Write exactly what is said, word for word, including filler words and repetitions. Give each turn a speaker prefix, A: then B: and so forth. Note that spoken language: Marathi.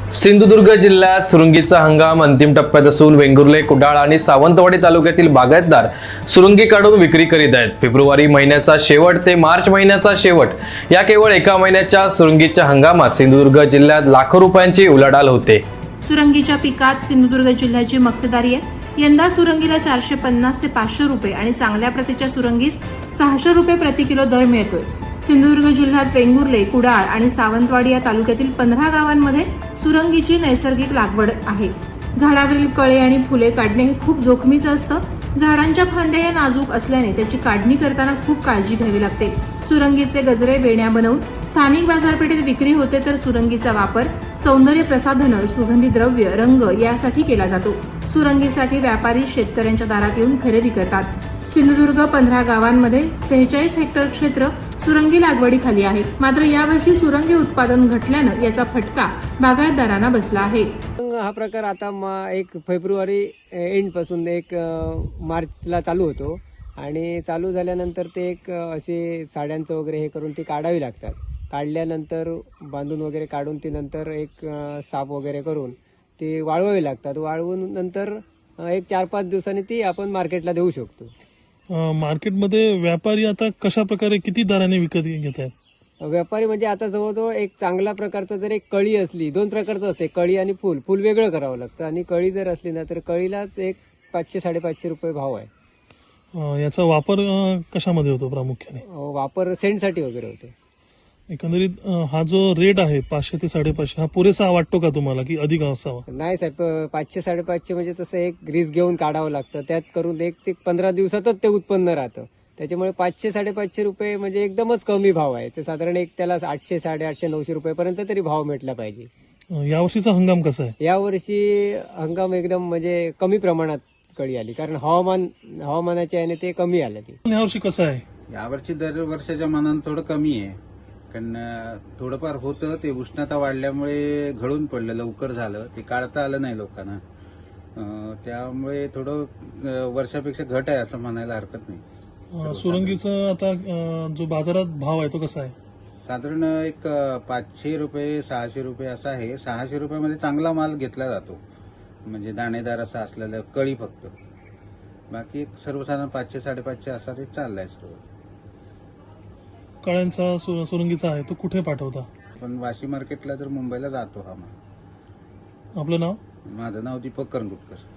A: सिंधुदुर्ग जिल्ह्यात सुरुंगीचा हंगाम अंतिम टप्प्यात असून वेंगुर्ले, कुडाळ आणि सावंतवाडी तालुक्यातील बागायतदार सुरुंगी काढून विक्री करीत आहेत। फेब्रुवारी महिन्याचा शेवट ते मार्च महिन्याचा शेवट या केवळ एका महिन्याच्या सुरुंगीच्या हंगामात सिंधुदुर्ग जिल्ह्यात लाखो रुपयांची उलाढाल होते।
B: सुरंगीच्या पिकात सिंधुदुर्ग जिल्ह्याची मक्तेदारी आहे। यंदा सुरंगीला चारशे पन्नास ते पाचशे रुपये आणि चांगल्या प्रतीच्या सुरंगीस सहाशे रुपये प्रति किलो दर मिळतोय। सिंधुदुर्ग जिल्ह्यात वेंगुर्ले, कुडाळ आणि सावंतवाडी या तालुक्यातील पंधरा गावांमध्ये सुरंगीची नैसर्गिक लागवड आहे। झाडावरील कळे आणि फुले काढणे हे खूप जोखमीचं असतं। झाडांच्या फांद्या या नाजूक असल्याने त्याची काढणी करताना खूप काळजी घ्यावी लागते। सुरंगीचे गजरे वेण्या बनवून स्थानिक बाजारपेठेत विक्री होते, तर सुरंगीचा वापर सौंदर्य प्रसाधनं, सुगंधी द्रव्य, रंग यासाठी केला जातो। सुरंगीसाठी व्यापारी शेतकऱ्यांच्या दारात येऊन खरेदी करतात। सिंधुदुर्ग पंधरा गावांमध्ये सेहेचाळीस हेक्टर क्षेत्र सुरंगी लागवडीखाली आहे। मात्र यावर्षी सुरंगी उत्पादन घटल्यानं याचा फटका बागायतदारांना बसला आहे।
C: हा प्रकार आता एक फेब्रुवारी एंड पासून एक मार्चला चालू होतो आणि चालू झाल्यानंतर ते एक असे साड्यांचं वगैरे हे करून ती काढावी लागतात। काढल्यानंतर बांधून वगैरे काढून ती नंतर एक साफ वगैरे करून ती वाळवावी लागतात। वाळवून नंतर एक चार पाच दिवसांनी ती आपण मार्केटला देऊ शकतो।
D: मार्केटमध्ये व्यापारी आता कशा प्रकारे किती दराने विकत घेत आहेत?
C: व्यापारी म्हणजे आता जवळजवळ एक चांगल्या प्रकारचं जर एक कळी असली, दोन प्रकारचं असते, कळी आणि फुल। फुल वेगळं करावं लागतं आणि कळी जर असली ना तर कळीलाच एक पाचशे साडेपाचशे रुपये भाव आहे।
D: याचा वापर कशामध्ये होतो प्रामुख्याने?
C: वापर सेंटसाठी वगैरे होतो।
D: एकंदरीत हा जो रेट आहे पाचशे ते साडेपाचशे, हा पुरेसा वाटतो का तुम्हाला की अधिक असावा?
C: नाही साहेब, पाचशे साडेपाचशे म्हणजे तसं एक रिस्क घेऊन काढावं लागतं। त्यात करून एक ते पंधरा दिवसातच ते उत्पन्न राहतं। त्याच्यामुळे पाचशे साडेपाचशे रुपये म्हणजे एकदमच कमी भाव आहे। ते साधारण एक त्याला आठशे साडेआठशे नऊशे रुपयेपर्यंत तरी भाव भेटला पाहिजे।
D: यावर्षीचा हंगाम कसा आहे?
C: यावर्षी हंगाम एकदम म्हणजे कमी प्रमाणात कळी आली, कारण हवामान हवामानाच्या याने ते कमी आलं। ते
D: यावर्षी कसं आहे?
E: यावर्षी दर वर्षाच्या मानानं थोडं कमी आहे, कारण थोडंफार होतं ते उष्णता वाढल्यामुळे गळून पडलं, लवकर झालं, ते काढता आलं नाही लोकांना। त्यामुळे थोडं वर्षापेक्षा घट आहे असं म्हणायला हरकत नाही।
D: सुरंगीचा आता जो बाजारात भाव आहे तो कसा आहे?
E: साधारण एक पाचशे रुपये सहाशे रुपये असा आहे। सहाशे रुपयामध्ये चांगला माल घेतला जातो, म्हणजे दाणेदार असा असलेला कळी फक्त। बाकी सर्वसाधारण पाचशे साडेपाचशे असा रेट चाललाय सर्व।
D: कळ्यांचा सुरंगीचा आहे तो कुठे पाठवता?
E: पण वाशी मार्केटला तर मुंबईला जातो हा माल।
D: आपलं नाव?
E: माझं नाव दीपक करंगुटकर।